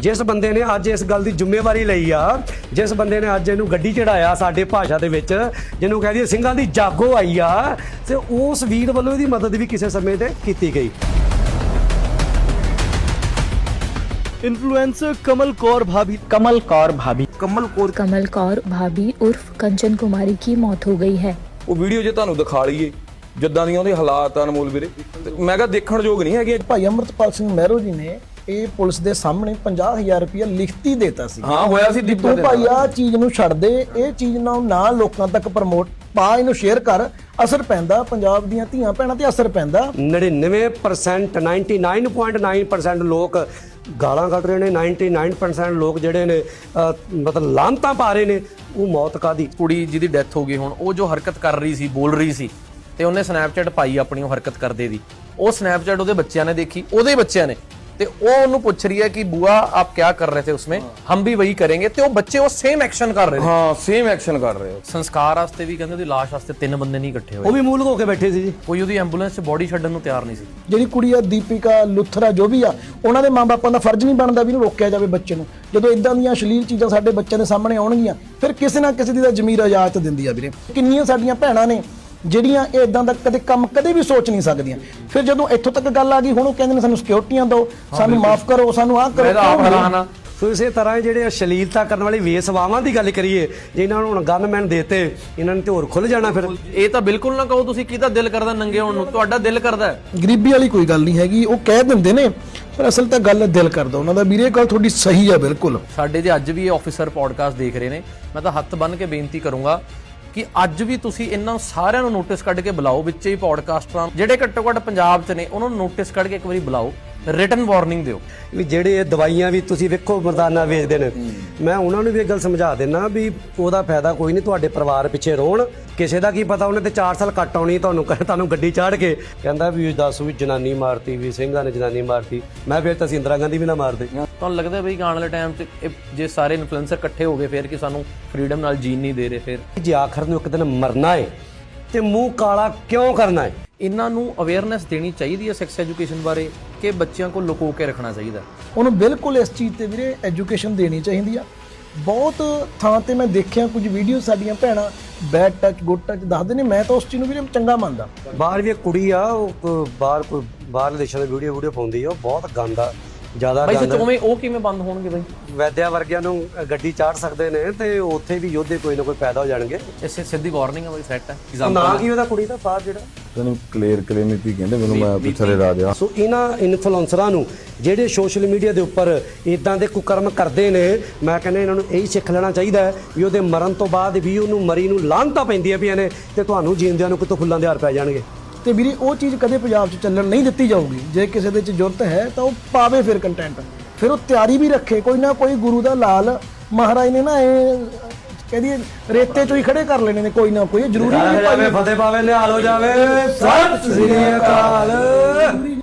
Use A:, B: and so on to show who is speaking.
A: ਜਿਸ ਬੰਦੇ ਨੇ ਅੱਜ ਇਸ ਗੱਲ ਦੀ ਜ਼ਿੰਮੇਵਾਰੀ ਲਈ ਆ, ਜਿਸ ਬੰਦੇ ਨੇ ਅੱਜ ਇਹਨੂੰ ਗੱਡੀ ਚੜਾਇਆ ਸਾਡੇ ਭਾਸ਼ਾ ਦੇ ਵਿੱਚ, ਜਿਹਨੂੰ ਕਹਿ ਦਈਏ ਸਿੰਘਾਂ ਦੀ ਜਾਗੋ ਆਈ ਆ, ਤੇ ਉਸ ਵੀਰ ਵੱਲੋਂ ਇਹਦੀ ਮਦਦ ਵੀ ਕਿਸੇ ਸਮੇਂ ਤੇ ਕੀਤੀ ਗਈ।
B: इन्फ्लुएंसर कमल कौर भाभी
C: उर्फ कंचन कुमारी की मौत हो गई है।
D: ਉਹ ਵੀਡੀਓ ਜੇ ਤੁਹਾਨੂੰ ਦਿਖਾ ਲਈਏ ਜਿੱਦਾਂ ਦੀਆਂ ਉਹਦੇ ਹਾਲਾਤ ਆ ਅਨਮੋਲ ਵੀਰੇ, ਮੈਂ ਕਿਹਾ ਦੇਖਣ ਯੋਗ ਨਹੀਂ ਹੈਗੇ।
E: ਭਾਈ ਅਮਰਤਪਾਲ ਸਿੰਘ ਮਹਿਰੋ ਜੀ ਨੇ ਇਹ ਪੁਲਿਸ ਦੇ ਸਾਹਮਣੇ 50,000 ਰੁਪਇਆ ਲਿਖਤੀ ਦੇਤਾ ਸੀ।
D: ਹਾਂ ਹੋਇਆ ਸੀ ਦੀਪੂ
E: ਤੂੰ ਭਾਈ ਆ ਚੀਜ਼ ਨੂੰ ਛੱਡ ਦੇ, ਇਹ ਚੀਜ਼ ਨਾ ਲੋਕਾਂ ਤੱਕ ਪ੍ਰਮੋਟ ਪਾ, ਇਹਨੂੰ ਸ਼ੇਅਰ ਕਰ, ਅਸਰ ਪੈਂਦਾ ਪੰਜਾਬ ਦੀਆਂ ਧੀਆਂ ਭੈਣਾਂ ਤੇ ਅਸਰ ਪੈਂਦਾ।
A: 99% 99.9% ਲੋਕ ਗਾਲਾਂ ਕੱਢ ਰਹੇ ਨੇ, 99% ਲੋਕ ਜਿਹੜੇ ਨੇ ਮਤਲਬ ਲਾਂਤਾਂ ਪਾ ਰਹੇ ਨੇ। ਉਹ ਮੌਤ ਕਾਦੀ
F: ਕੁੜੀ ਜਿਹਦੀ ਡੈਥ ਹੋ ਗਈ, ਹੁਣ ਉਹ ਜੋ ਹਰਕਤ ਕਰ ਰਹੀ ਸੀ, ਬੋਲ ਰਹੀ ਸੀ, ਤੇ ਉਹਨੇ ਸਨੈਪਚੈਟ ਪਾਈ ਆਪਣੀ ਉਹ ਹਰਕਤ ਕਰਦੇ ਦੀ। ਉਹ ਸਨੈਪਚੈਟ ਉਹਦੇ ਬੱਚਿਆਂ ਨੇ ਦੇਖੀ, ਉਹਦੇ ਬੱਚਿਆਂ ਨੇ, ਤੇ ਉਹ ਉਹਨੂੰ ਪੁੱਛ ਰਹੀ ਹੈ ਕਿ ਬੁਆ ਆਪ क्या कर रहे थे उसमें, हम भी वही करेंगे। ਤੇ ਉਹ ਬੱਚੇ ਉਹ ਸੇਮ ਐਕਸ਼ਨ ਕਰ ਰਹੇ ਨੇ।
D: ਹਾਂ ਸੇਮ ਐਕਸ਼ਨ ਕਰ ਰਹੇ ਹੋ।
F: ਸੰਸਕਾਰ ਵਾਸਤੇ ਵੀ ਕਹਿੰਦੇ ਉਹਦੀ ਲਾਸ਼ ਵਾਸਤੇ 3 ਬੰਦੇ ਨਹੀਂ ਇਕੱਠੇ
A: ਉਹ
F: ਹੋਏ,
A: ਵੀ ਮੂਲ ਹੋ ਕੇ ਬੈਠੇ ਸੀ ਜੀ।
F: ਕੋਈ ਉਹਦੀ ਐਂਬੂਲੈਂਸ 'ਚ ਬੋਡੀ ਛੱਡਣ ਨੂੰ ਤਿਆਰ ਨਹੀਂ ਸੀ।
E: ਜਿਹੜੀ ਕੁੜੀ ਆ ਦੀਪਿਕਾ ਲੁਥਰਾ ਜੋ ਵੀ ਆ, ਉਹਨਾਂ ਦੇ ਮਾਂ-ਬਾਪਾਂ ਦਾ ਫਰਜ਼ ਨਹੀਂ ਬਣਦਾ ਵੀ ਇਹਨੂੰ ਰੋਕਿਆ ਜਾਵੇ ਬੱਚੇ ਨੂੰ। ਜਦੋਂ ਇਦਾਂ ਦੀਆਂ ਅਸ਼ਲੀਲ ਚੀਜ਼ਾਂ ਸਾਡੇ ਬੱਚਿਆਂ ਦੇ ਸਾਹਮਣੇ ਆਉਣਗੀਆਂ, ਫਿਰ ਕਿਸੇ ਨਾ ਕਿਸੇ ਦੀ ਤਾਂ ਜ਼ਮੀਰ ਇਜਾਜ਼ਤ ਦਿੰਦੀ ਆ ਵੀਰੇ। ਕਿੰਨੀਆਂ ਸਾਡੀਆਂ ਭੈਣਾਂ ਨੇ ਜਿਹੜੀਆਂ ਇਹ ਇਦਾਂ ਦਾ ਕੰਮ ਕਦੇ ਵੀ ਸੋਚ ਨਹੀਂ ਸਕਦੀਆਂ। ਫਿਰ ਜਦੋਂ ਇੱਥੋਂ ਤੱਕ ਗੱਲ ਆ ਗਈ, ਹੁਣ ਉਹ ਕਹਿੰਦੇ ਨੇ ਸਾਨੂੰ ਸਿਕਿਉਰਟੀਆਂ ਦਿਓ, ਸਾਨੂੰ ਮਾਫ ਕਰੋ, ਸਾਨੂੰ ਆਹ ਕਰੋ।
A: ਸੋ ਇਸੇ ਤਰ੍ਹਾਂ ਜਿਹੜੇ ਅਸ਼ਲੀਲਤਾ ਕਰਨ ਵਾਲੀ ਵੇਸਵਾਵਾਂ ਦੀ ਗੱਲ ਕਰੀਏ, ਜੇ ਇਹਨਾਂ ਨੂੰ ਹੁਣ ਗਨਮੈਨ ਦੇਤੇ, ਇਹਨਾਂ ਨੇ ਤੇ ਹੋਰ ਖੁੱਲ ਜਾਣਾ। ਫਿਰ
F: ਇਹ ਤਾਂ ਬਿਲਕੁਲ ਨਾ ਕਹੋ ਤੁਸੀਂ ਕਿਹਦਾ ਦਿਲ ਕਰਦਾ ਨੰਗੇ ਹੋਣ ਨੂੰ, ਤੁਹਾਡਾ ਦਿਲ ਕਰਦਾ ਹੈ।
E: ਗਰੀਬੀ ਵਾਲੀ ਕੋਈ ਗੱਲ ਨਹੀਂ ਹੈਗੀ, ਉਹ ਕਹਿ ਦਿੰਦੇ ਨੇ, ਪਰ ਅਸਲ ਤਾਂ ਗੱਲ ਦਿਲ ਕਰਦਾ ਉਹਨਾਂ ਦਾ। ਵੀਰੇ ਗੱਲ ਤੁਹਾਡੀ ਸਹੀ ਆ ਬਿਲਕੁਲ।
F: ਸਾਡੇ ਦੇ ਅੱਜ ਵੀ ਇਹ ਆਫੀਸਰ ਪੋਡਕਾਸਟ ਦੇਖ ਰਹੇ ਨੇ, ਮੈਂ ਤਾਂ ਹੱਥ ਬੰਨ੍ਹ ਕੇ ਬੇਨਤੀ ਕਰੂੰਗਾ ਕਿ ਅੱਜ ਵੀ ਤੁਸੀਂ ਇਹਨਾਂ ਸਾਰਿਆਂ ਨੂੰ ਨੋਟਿਸ ਕੱਢ ਕੇ ਬੁਲਾਓ, ਵਿੱਚ ਹੀ ਪੋਡਕਾਸਟਰਾਂ ਜਿਹੜੇ ਘੱਟੋ ਘੱਟ ਪੰਜਾਬ 'ਚ ਨੇ, ਉਹਨਾਂ ਨੂੰ ਨੋਟਿਸ ਕੱਢ ਕੇ ਇੱਕ ਵਾਰੀ ਬੁਲਾਓ, ਰਿਟਨ ਵਾਰਨਿੰਗ ਦਿਓ।
A: ਵੀ ਜਿਹੜੇ ਇਹ ਦਵਾਈਆਂ ਵੀ ਤੁਸੀਂ ਵੇਖੋ ਮਰਦਾਨਾ ਵੇਚਦੇ ਨੇ, ਮੈਂ ਉਹਨਾਂ ਨੂੰ ਵੀ ਇਹ ਗੱਲ ਸਮਝਾ ਦਿੰਦਾ ਵੀ ਉਹਦਾ ਫਾਇਦਾ ਕੋਈ ਨਹੀਂ, ਤੁਹਾਡੇ ਪਰਿਵਾਰ ਪਿੱਛੇ ਰੋਣ। ਕਿਸੇ ਦਾ ਕੀ ਪਤਾ, ਉਹਨੇ ਤੇ 4 ਸਾਲ ਕੱਟ ਆਉਣੀ ਤੁਹਾਨੂੰ ਗੱਡੀ ਚਾੜ ਕੇ ਕਹਿੰਦਾ ਵੀ ਦੱਸ ਵੀ ਜਨਾਨੀ ਮਾਰਤੀ, ਵੀ ਸਿੰਘਾਂ ਨੇ ਜਨਾਨੀ ਮਾਰਤੀ। ਮੈਂ ਫਿਰ ਤਾਂ ਅਸੀਂ ਇੰਦਰਾ ਗਾਂਧੀ ਵੀ ਨਾ ਮਾਰਦੇ।
F: ਤੁਹਾਨੂੰ ਲੱਗਦਾ ਬਈ ਆਉਣ ਵਾਲੇ ਟਾਈਮ 'ਚ ਜੇ ਸਾਰੇ ਇਨਫਲੂਐਂਸਰ ਇਕੱਠੇ ਹੋ ਗਏ ਫਿਰ ਕਿ ਸਾਨੂੰ ਫਰੀडम ਨਾਲ ਜੀਣ ਨਹੀਂ ਦੇ ਰਹੇ? ਫਿਰ
A: ਜੇ ਆਖਰ ਨੂੰ ਇੱਕ ਦਿਨ ਮਰਨਾ ਹੈ ਤੇ ਮੂੰਹ ਕਾਲਾ ਕਿਉਂ ਕਰਨਾ ਹੈ?
F: ਇਹਨਾਂ ਨੂੰ ਅਵੇਅਰਨੈਸ ਦੇਣੀ ਚਾਹੀਦੀ ਹੈ ਸੈਕਸ ਐਜੂਕੇਸ਼ਨ ਬਾਰੇ, ਕਿ ਬੱਚਿਆਂ ਕੋਲ ਲੁਕੋ ਕੇ ਰੱਖਣਾ ਚਾਹੀਦਾ?
E: ਉਹਨੂੰ ਬਿਲਕੁਲ ਇਸ ਚੀਜ਼ ਤੇ ਵੀਰੇ ਐਜੂਕੇਸ਼ਨ ਦੇਣੀ ਚਾਹੀਦੀ ਆ। ਬਹੁਤ ਥਾਂ ਤੇ ਮੈਂ ਦੇਖਿਆ ਕੁਝ ਵੀਡੀਓ ਸਾਡੀਆਂ ਭੈਣਾਂ ਬੈਡ ਟੱਚ ਗੁੱਡ ਟੱਚ ਦੱਸਦੇ ਨੇ, ਮੈਂ ਤਾਂ ਉਸ ਚੀਜ਼ ਨੂੰ ਵੀਰੇ ਚੰਗਾ ਮੰਨਦਾ।
A: ਬਾਹਰ ਵੀ ਇੱਕ ਕੁੜੀ ਆ, ਉਹ ਬਾਹਰਲੇ ਦੇਸ਼ਾਂ ਦੀ ਵੀਡੀਓ ਪਾਉਂਦੀ ਆ, ਉਹ ਬਹੁਤ ਗੰਦਾ, ਜ਼ਿਆਦਾ
F: ਬਈ
A: ਗੰਦਾ।
F: ਸੱਚੋਂ ਉਹ ਕਿਵੇਂ ਬੰਦ ਹੋਣਗੇ ਬਈ?
A: ਵੈਦਿਆ ਵਰਗਿਆਂ ਨੂੰ ਗੱਡੀ ਚਾੜ ਸਕਦੇ ਨੇ ਤੇ ਉੱਥੇ ਵੀ ਯੋਧੇ ਕੋਈ ਨਾ ਕੋਈ ਪੈਦਾ ਹੋ ਜਾਣਗੇ।
F: ਇਸੇ ਸਿੱਧੀ ਵਾਰਨਿੰਗ ਹੈ ਬਈ, ਸੈੱਟ ਹੈ।
A: ਨਾ ਕੀ ਉਹਦਾ ਕੁੜੀ ਦਾ ਬਾਹਰ ਜਿਹੜਾ
G: ਤੈਨੂੰ ਕਲੀਨਿਕ ਕਹਿੰਦੇ, ਮੈਨੂੰ ਮੈਂ ਪਿੱਛੇ ਰਾਜ ਆ।
A: ਸੋ ਇਹਨਾਂ ਇਨਫਲੂਐਂਸਰਾਂ ਨੂੰ ਜਿਹੜੇ ਸੋਸ਼ਲ ਮੀਡੀਆ ਦੇ ਉੱਪਰ ਇਦਾਂ ਦੇ ਕੁਕਰਮ ਕਰਦੇ ਨੇ, ਮੈਂ ਕਹਿੰਦਾ ਇਹਨਾਂ ਨੂੰ ਇਹੀ ਸਿੱਖ ਲੈਣਾ ਚਾਹੀਦਾ ਹੈ ਵੀ ਉਹਦੇ ਮਰਨ ਤੋਂ ਬਾਅਦ ਵੀ ਉਹਨੂੰ ਮਰੀ ਨੂੰ ਲਾਹਨਤਾਂ ਪੈਂਦੀਆਂ ਪਈਆਂ ਨੇ, ਤੇ ਤੁਹਾਨੂੰ ਜੀਂਦਿਆਂ ਨੂੰ ਕਿਤੋਂ ਫੁੱਲਾਂ ਦੇ ਹਾਰ ਪੈ ਜਾਣਗੇ।
E: ਤੇ ਵੀਰੇ ਉਹ ਚੀਜ਼ ਕਦੇ ਪੰਜਾਬ 'ਚ ਚੱਲਣ ਨਹੀਂ ਦਿੱਤੀ ਜਾਊਗੀ। ਜੇ ਕਿਸੇ ਦੇ 'ਚ ਜ਼ਰੂਰਤ ਹੈ ਤਾਂ ਉਹ ਪਾਵੇ ਫਿਰ ਕੰਟੈਂਟ, ਫਿਰ ਉਹ ਤਿਆਰੀ ਵੀ ਰੱਖੇ। ਕੋਈ ਨਾ ਕੋਈ ਗੁਰੂ ਦਾ ਲਾਲ ਮਹਾਰਾਜ ਨੇ ਨਾ ਇਹ ਕਹਿੰਦੀ ਰੇਤੇ 'ਚੋਂ ਹੀ ਖੜੇ ਕਰ ਲੈਣੇ ਨੇ, ਕੋਈ ਨਾ ਕੋਈ। ਜ਼ਰੂਰੀ ਨਹੀਂ
A: ਫਤਿਹ ਪਾਵੇ ਨਿਹਾਲ ਹੋ ਜਾਵੇ। ਸਤਿ ਸ੍ਰੀ ਅਕਾਲ।